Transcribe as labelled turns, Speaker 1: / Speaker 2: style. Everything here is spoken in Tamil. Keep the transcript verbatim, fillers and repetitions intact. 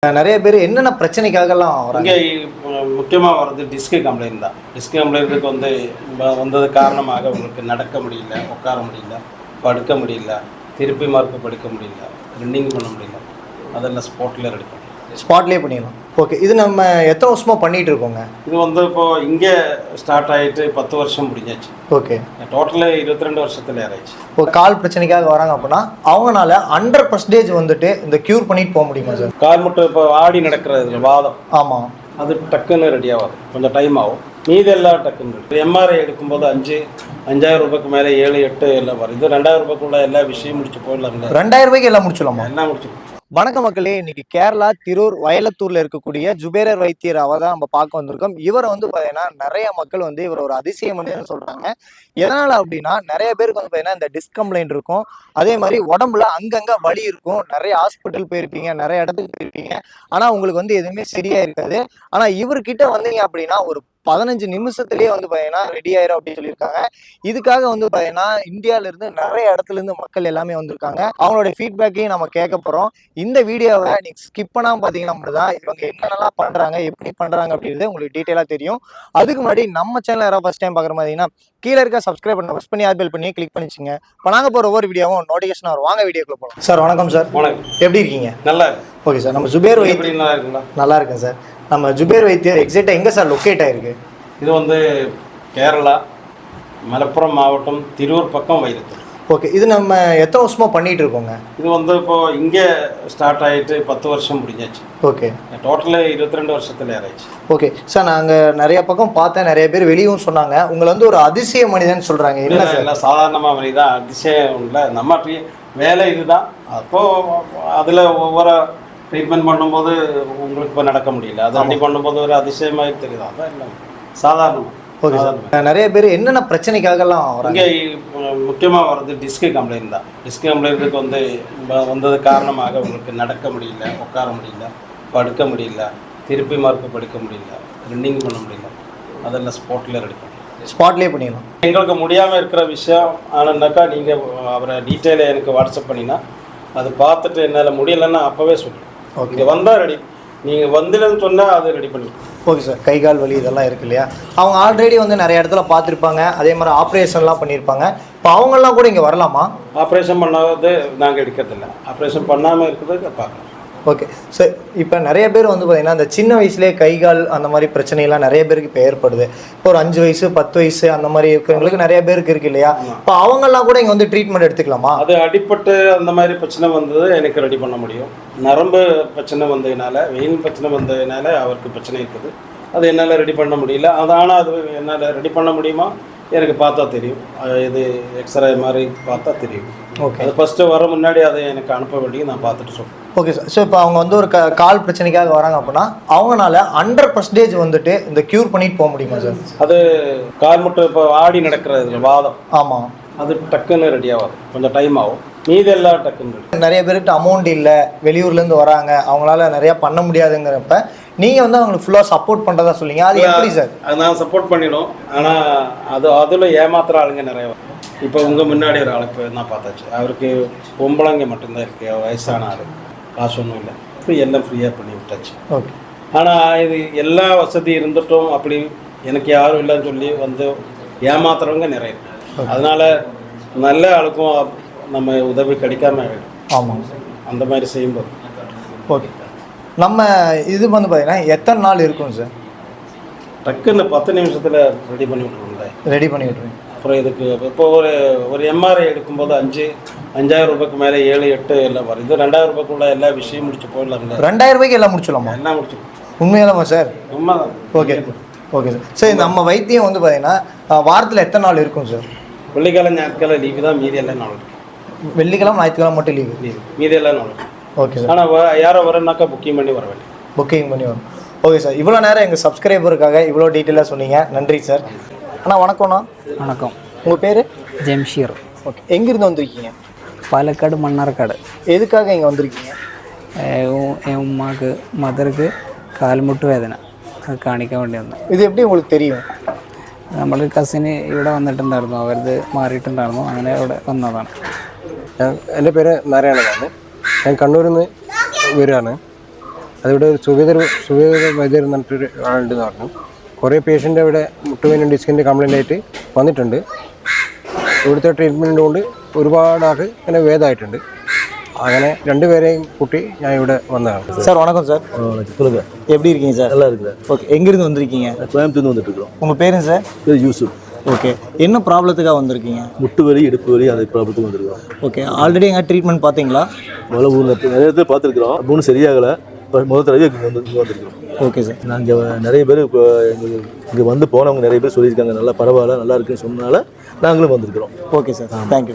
Speaker 1: நிறைய பேர் என்னென்ன பிரச்சனைக்காகலாம் வராங்க?
Speaker 2: இங்கே முக்கியமாக வர்றது டிஸ்க் கம்ப்ளைண்ட் தான். டிஸ்க் கம்ப்ளைண்ட்டுக்கு வந்து வ- வந்தது காரணமாக உங்களுக்கு நடக்க முடியல, உட்கார முடியல, படுக்க முடியல, திருப்பி மார்க்கு படுக்க முடியல, ரன்னிங் பண்ண முடியல, அதெல்லாம் ஸ்பாட்டில் ரெடி பண்ணும்.
Speaker 1: ஸ்பாட்லேயே பண்ணிடலாம். ஓகே, இது நம்ம எத்தனை வருஷமாக பண்ணிகிட்டு இருக்கோங்க?
Speaker 2: இது வந்து இப்போது இங்கே ஸ்டார்ட் ஆகிட்டு பத்து வருஷம் முடிஞ்சாச்சு.
Speaker 1: ஓகே,
Speaker 2: டோட்டலு இருபத்தி ரெண்டு வருஷத்தில் ஏறாச்சு.
Speaker 1: இப்போ கால் பிரச்சனைக்காக வராங்க அப்படின்னா அவங்களால ஹண்ட்ரட் பர்சன்டேஜ் வந்துட்டு இந்த க்யூர் பண்ணிட்டு போக முடியுமா சார்?
Speaker 2: கால் மட்டும் இப்போ ஆடி நடக்கிறது வாதம்,
Speaker 1: ஆமாம்,
Speaker 2: அது டக்குன்னு ரெடி ஆகாது, கொஞ்சம் டைம் ஆகும். மீதி எல்லாம் டக்குன்னு இருக்கு. எம்ஆர்ஐ எடுக்கும்போது அஞ்சு அஞ்சாயிரம் ரூபாய்க்கு மேலே ஏழு எட்டு எல்லாம் வரும். இது ரெண்டாயிரம் ரூபாய்க்குள்ள எல்லா விஷயம் முடிச்சு போயிடலாங்களே.
Speaker 1: ரெண்டாயிரம் ரூபாய்க்கு எல்லாம் முடிச்சிடலாமா?
Speaker 2: எல்லாம் முடிச்சு.
Speaker 1: வணக்கம் மக்களே, இன்னைக்கு கேரளா திரூர் வயலத்தூர்ல இருக்கக்கூடிய ஜுபேரர் வைத்தியர் அவ தான் நம்ம பார்க்க வந்திருக்கோம். இவரை வந்து பார்த்தீங்கன்னா நிறைய மக்கள் வந்து இவர் ஒரு அதிசய மனிதன் சொல்றாங்க. எதனால அப்படின்னா நிறைய பேருக்கு வந்து பார்த்தீங்கன்னா இந்த டிஸ்கம்ப்ளைண்ட் இருக்கும், அதே மாதிரி உடம்புல அங்கங்க வலி இருக்கும். நிறைய ஹாஸ்பிட்டல் போயிருப்பீங்க, நிறைய இடத்துக்கு போயிருப்பீங்க, ஆனா உங்களுக்கு வந்து எதுவுமே சரியா இருக்காது. ஆனா இவர்கிட்ட வந்தீங்க அப்படின்னா ஒரு பதினஞ்சு நிமிஷத்துலயே வந்து பார்த்தீங்கன்னா ரெடி ஆயிரும் அப்படின்னு சொல்லியிருக்காங்க. இதுக்காக வந்து பார்த்தீங்கன்னா இந்தியாவில இருந்து நிறைய இடத்துல இருந்து மக்கள் எல்லாமே வந்திருக்காங்க. அவங்களுடைய ஃபீட்பேக்கையும் நம்ம கேட்க போறோம். இந்த வீடியோவை நீங்க ஸ்கிப் பண்ணாம பாத்தீங்கன்னா மட்டும்தான் இவங்க என்னென்னலாம் பண்றாங்க, எப்படி பண்றாங்க அப்படின்றது உங்களுக்கு டீட்டெயிலா தெரியும். அதுக்கு முன்னாடி நம்ம சேனல் யாராவது ஃபர்ஸ்ட் டைம் பாக்குற மாதிரினா கீழே இருக்க சப்ஸ்கிரைப் பண்ண ப்ரெஸ் பண்ணி ஆல் பெல் பண்ணி கிளிக் பண்ணிச்சுங்க. இப்போ நாங்க போற ஒவ்வொரு வீடியோவும் நோட்டிஃபிகேஷன் வரும். வாங்க வீடியோக்குள்ள போகலாம். சார் வணக்கம் சார்.
Speaker 2: வணக்கம்.
Speaker 1: எப்படி இருக்கீங்க?
Speaker 2: நல்லா.
Speaker 1: ஓகே சார், நம்ம ஜுபேர் வைத்தியர்
Speaker 2: நல்லா இருக்குங்களா?
Speaker 1: நல்லா இருக்கேன் சார். நம்ம ஜுபேர் வைத்தியர் எக்ஸாக்டா எங்க சார் லொக்கேட் ஆயிருக்கு?
Speaker 2: இது வந்து கேரளா மலப்புரம் மாவட்டம் திரூர் பக்கம் வைரத்தூர்.
Speaker 1: ஓகே, இது நம்ம எத்தனை வருஷமா பண்ணிட்டு இருக்கோங்க?
Speaker 2: இது வந்து இப்போ இங்கே ஸ்டார்ட் ஆகிட்டு பத்து வருஷம் முடிஞ்சாச்சு.
Speaker 1: ஓகே,
Speaker 2: டோட்டலு இருபத்தி ரெண்டு வருஷத்தில் ஏறாச்சு.
Speaker 1: ஓகே சார், நாங்கள் நிறைய பக்கம் பார்த்தேன், நிறைய பேர் வெளியும் சொன்னாங்க உங்களை வந்து ஒரு அதிசய மனிதன் சொல்றாங்க. என்ன சார்?
Speaker 2: இல்லை, சாதாரணமாக மணி தான், அதிசயம் இல்லை. நம்ம வேலை இதுதான். அப்போது அதில் ஒவ்வொரு ட்ரீட்மெண்ட் பண்ணும்போது உங்களுக்கு இப்போ நடக்க முடியல, அது அப்படி பண்ணும்போது ஒரு அதிசயமாக தெரியுது. அதான் இல்லை, சாதாரணமாக.
Speaker 1: ஓகே சார், நிறைய பேர் என்னென்ன பிரச்சனைக்காகலாம் வராங்க?
Speaker 2: இங்கே முக்கியமாக வர்றது டிஸ்க் கம்ப்ளைண்ட் தான். டிஸ்க் கம்ப்ளைண்ட்டுக்கு வந்து வ- வந்தது காரணமாக உங்களுக்கு நடக்க முடியல, உட்கார முடியல, படுக்க முடியல, திருப்பி மார்க்கு படுக்க முடியல, ரன்னிங் பண்ண முடியல, அதெல்லாம் ஸ்பாட்டில் ரெடி பண்ணும்.
Speaker 1: ஸ்பாட்லேயே பண்ணிடலாம்.
Speaker 2: எங்களுக்கு முடியாமல் இருக்கிற விஷயம் ஆனாக்கா நீங்கள் அவரை டீட்டெயிலை எனக்கு வாட்ஸ்அப் பண்ணினா அது பார்த்துட்டு என்னால் முடியலைன்னா அப்போவே சொல்லுங்கள். இங்கே வந்தால் ரெடி, நீங்கள் வந்துலன்னு சொன்னால் அது ரெடி பண்ணிக்கலாம்.
Speaker 1: ஓகே சார், கை கால் வலி இதெல்லாம் இருக்கு இல்லையா, அவங்க ஆல்ரெடி வந்து நிறைய இடத்துல பார்த்துருப்பாங்க, அதே மாதிரி ஆப்ரேஷன்லாம் பண்ணியிருப்பாங்க. இப்போ அவங்கெல்லாம் கூட இங்கே வரலாமா?
Speaker 2: ஆப்ரேஷன் பண்ணாதது நாங்கள் எடுக்கிறதில்ல, ஆப்ரேஷன் பண்ணாமல் இருக்கிறது பார்க்கலாம்.
Speaker 1: ஓகே சார், இப்போ நிறைய பேர் வந்து பார்த்தீங்கன்னா இந்த சின்ன வயசுலேயே கை கால் அந்த மாதிரி பிரச்சனைலாம் நிறைய பேருக்கு இப்போ ஏற்படுது. இப்போ ஒரு அஞ்சு வயசு பத்து வயசு அந்த மாதிரி இருக்கிறவங்களுக்கு நிறைய பேருக்கு இருக்கு இல்லையா, இப்போ அவங்கெல்லாம் கூட இங்கே வந்து ட்ரீட்மெண்ட் எடுத்துக்கலாமா?
Speaker 2: அது அடிப்பட்டு அந்த மாதிரி பிரச்சனை வந்தது எனக்கு ரெடி பண்ண முடியும். நரம்பு பிரச்சனை வந்ததுனால, வெயின் பிரச்சனை வந்ததுனால அவருக்கு பிரச்சனை இருக்குது, அது என்னால் ரெடி பண்ண முடியல. அது ஆனால் அது என்னால் ரெடி பண்ண முடியுமா எனக்கு பார்த்தா தெரியும். இது எக்ஸ்ரே மாதிரி பார்த்தா தெரியும்.
Speaker 1: ஓகே,
Speaker 2: அது ஃபஸ்ட்டு வர முன்னாடி அதை எனக்கு அனுப்ப வேண்டிய நான் பார்த்துட்டு சொல்கிறேன்.
Speaker 1: Okay sir. ஸோ இப்போ அவங்க வந்து ஒரு க கால் பிரச்சனைக்காக வராங்க அப்படின்னா அவங்களால ஹண்ட்ரட் பர்சன்டேஜ் வந்துட்டு இந்த க்யூர் பண்ணிட்டு போக முடியுமா சார்?
Speaker 2: அது கால் மட்டும் இப்போ ஆடி நடக்கிறது வாதம்,
Speaker 1: ஆமாம்,
Speaker 2: அது டக்குன்னு ரெடி ஆகாது, கொஞ்சம் டைம் ஆகும். மீதி எல்லாம் டக்குன்னு.
Speaker 1: நிறைய பேருக்கு அமௌண்ட் இல்லை, வெளியூர்லேருந்து வராங்க, அவங்களால நிறையா பண்ண முடியாதுங்கிறப்ப நீங்கள் வந்து அவங்களுக்கு ஃபுல்லாக சப்போர்ட் பண்ணுறதா சொல்லிங்க. அது எப்படி சார்?
Speaker 2: அது நான் சப்போர்ட் பண்ணிடும், ஆனால் அது அதில் ஏமாத்துற ஆளுங்க நிறைய வரும். இப்போ உங்கள் முன்னாடி ஒரு ஆளுக்கு நான் பார்த்தாச்சு, அவருக்கு பொம்பளைங்க மட்டும்தான் இருக்குது, வயசான ஆள், காசு ஒன்றும் இல்லை, ஃப்ரீ எல்லாம் ஃப்ரீயாக பண்ணி விட்டாச்சு.
Speaker 1: ஓகே,
Speaker 2: ஆனால் இது எல்லா வசதி இருந்துட்டும் அப்படி எனக்கு யாரும் இல்லைன்னு சொல்லி வந்து ஏமாத்துறவங்க நிறைய இருக்கு. அதனால் நல்ல ஆளுக்கும் நம்ம உதவி கிடைக்காம ஆகிடும்.
Speaker 1: ஆமாம்,
Speaker 2: அந்த மாதிரி செய்யும்போது.
Speaker 1: ஓகே, நம்ம இது வந்து பார்த்தீங்கன்னா எத்தனை நாள் இருக்கும் சார்?
Speaker 2: டக்குன்னு பத்து நிமிஷத்தில் ரெடி பண்ணி விட்ருவோம்ல.
Speaker 1: ரெடி பண்ணி விட்ருங்க.
Speaker 2: அப்புறம் இதுக்கு இப்போ ஒரு ஒரு எம்ஆர்ஐ எடுக்கும்போது அஞ்சு அஞ்சாயிரம் ரூபாய்க்கு மேலே ஏழு எட்டு எல்லாம் வரும். இது ரெண்டாயிரம் ரூபாய்க்குள்ள எல்லா விஷயம் முடிச்சு போயிடலாம்ல.
Speaker 1: ரெண்டாயிரம் ரூபாய்க்கு எல்லாம் முடிச்சிடலாமா?
Speaker 2: எல்லாம் முடிச்சு.
Speaker 1: உண்மையாலாமா சார்?
Speaker 2: உண்மைதான்.
Speaker 1: Okay, okay sir. சரி, நம்ம வைத்தியம் வந்து பார்த்தீங்கன்னா வாரத்தில் எத்தனை நாள் இருக்கும் சார்?
Speaker 2: வெள்ளிக்கிழமை ஞாயிற்றுக்கிழமை லீவு தான், மீதி எல்லாம் நாள் இருக்கு.
Speaker 1: வெள்ளிக்கிழமை ஞாயிற்றுக்கிழமை மட்டும் லீவு?
Speaker 2: லீவு, மீதி எல்லாம் நாள் இருக்கு.
Speaker 1: Okay sir.
Speaker 2: ஆனால் யாரோ வரனாக்கா புக்கிங் பண்ணி வர வேண்டிய.
Speaker 1: புக்கிங் பண்ணி வரும். ஓகே சார், இவ்வளோ நேரம் எங்கள் சப்ஸ்கிரைபருக்காக இவ்வளோ டீட்டெயிலாக சொன்னீங்க, நன்றி சார். அண்ணா வணக்கம்ண்ணா.
Speaker 3: வணக்கம்.
Speaker 1: உங்கள் பேர்?
Speaker 3: ஜம்ஷீர்.
Speaker 1: ஓகே, எங்கேருந்து வந்திருக்கீங்க?
Speaker 3: പാലക്കാട് മണ്ണാർക്കാട്.
Speaker 1: எதுக்காக இங்கே வந்திருக்கீங்க?
Speaker 3: ഉമ്മാക്ക് മദർക്ക് കാൽമുട്ട് വേദന, അത് കാണിക്കാൻ വേണ്ടി വന്നു.
Speaker 1: இது எப்படி உங்களுக்கு தெரியும்?
Speaker 3: നമ്മൾ കസിന് ഇവിടെ വന്നിട്ടുണ്ടായിരുന്നു, അവരത് മാറിയിട്ടുണ്ടായിരുന്നു, അങ്ങനെ ഇവിടെ വന്നതാണ്.
Speaker 4: എൻ്റെ പേര് നാരായണനാണ്. ഞാൻ കണ്ണൂരിൽ നിന്ന് വരികയാണ്. അതിവിടെ ഒരു സുവേദർ സുവേദർ വൈദ്യർ എന്ന് പറഞ്ഞിട്ടൊരു ആളുണ്ടെന്ന് പറഞ്ഞു. കുറേ പേഷ്യൻ്റ് ഇവിടെ മുട്ടുവേനും ഡിസ്കിൻ്റെ കംപ്ലൈൻ്റ് ആയിട്ട് വന്നിട്ടുണ്ട്. ഇവിടുത്തെ ട്രീറ്റ്മെൻറ്റ് കൊണ്ട് ഒരുപാട് ആൾക്ക് ഇങ്ങനെ ഭേദമായിട്ടുണ്ട്. അങ്ങനെ രണ്ടുപേരെയും കൂട്ടി ഞാൻ ഇവിടെ வந்தேன்.
Speaker 1: சார் வணக்கம் சார்.
Speaker 5: சொல்லுங்க.
Speaker 1: எப்படி இருக்கீங்க சார்?
Speaker 5: நல்லா இருக்கிறேன்.
Speaker 1: ஓகே, எங்கேருந்து வந்திருக்கீங்க?
Speaker 5: கோயம்புத்தூர்ந்து வந்துட்டு இருக்கிறோம்.
Speaker 1: உங்கள் பேருங்க சார்?
Speaker 5: பேர் யூசுப்.
Speaker 1: ஓகே, என்ன ப்ராப்ளத்துக்காக வந்திருக்கீங்க?
Speaker 5: முட்டு வலி, இடுப்பு வலி, அந்த ப்ராப்ளத்துக்கு வந்திருக்கோம்.
Speaker 1: ஓகே, ஆல்ரெடி எங்கே ட்ரீட்மெண்ட் பார்த்தீங்களா?
Speaker 5: முதல்ல ஊரில் நிறைய பேர் பார்த்துருக்குறோம். மூணு சரியாகலை. முதல் தடவை இங்கே வந்து இங்கே வந்திருக்கிறோம்.
Speaker 1: Okay sir.
Speaker 5: நாங்கள் நிறைய பேர் இப்போ எங்களுக்கு இங்கே வந்து போனவங்க நிறைய பேர் சொல்லியிருக்காங்க, நல்லா பரவாயில்ல, நல்லா இருக்குன்னு சொன்னனால நாங்களும் வந்திருக்கிறோம்.
Speaker 1: Okay sir, thank you.